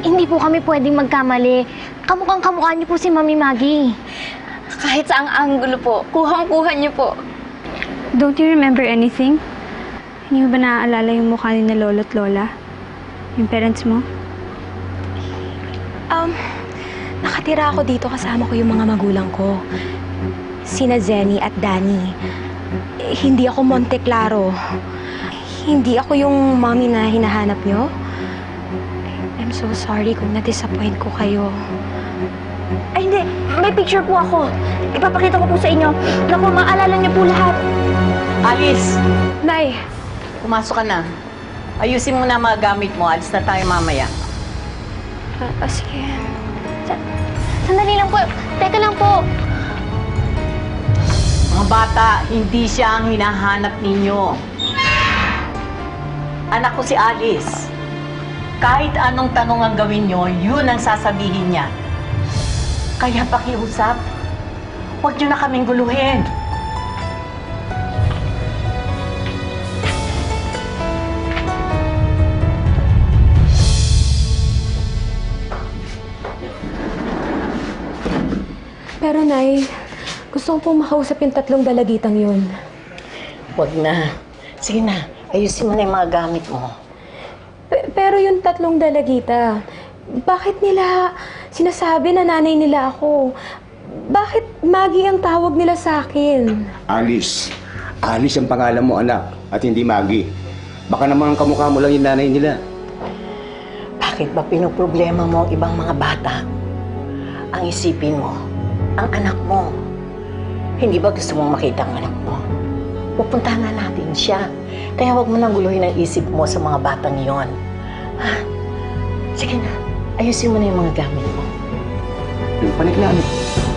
Hindi po kami pwedeng magkamali. Kamukhang-kamukha niyo po si Mami Maggie. Kahit sa ang anggulo po, kuhang-kuha niyo po. Don't you remember anything? Hindi mo ba naaalala yung mukha ni na lolo at lola? Yung parents mo? Nakatira ako dito kasama ko yung mga magulang ko. Sina Zenny at Danny. Hindi ako Monte Claro. Hindi ako yung mommy na hinahanap nyo. I'm so sorry kung na-disappoint ko kayo. Ay, hindi. May picture po ako. Ipapakita ko po sa inyo. Naku, maalala niyo po lahat. Alice! Nay! Pumasok ka na. Ayusin mo na mga gamit mo. Alis na tayo mamaya. Sige. Sandali lang po. Teka lang po. Mga bata, hindi siya ang hinahanap ninyo. Anak ko si Alice. Kahit anong tanong ang gawin nyo, yun ang sasabihin niya. Kaya pakiusap, huwag nyo na kaming guluhin. Pero Nay, gusto ko pong makausap yung 3 dalagitang yun. Huwag na. Sige na, ayusin mo na yung mga gamit mo. Pero yung 3 dalagita, bakit nila sinasabi na nanay nila ako? Bakit Maggie ang tawag nila sa akin? Alice. Alice ang pangalan mo, anak. At hindi Maggie. Baka naman kamukha mo lang yung nanay nila. Bakit ba pinoproblema mo ang ibang mga bata? Ang isipin mo, ang anak mo. Hindi ba gusto mong makita ang anak mo? Pupuntahan na natin siya. Kaya huwag mo nang guluhin ang isip mo sa mga batang yon. Ha? Sige na, ayusin mo na yung mga gamit mo. Yung panik na, ano?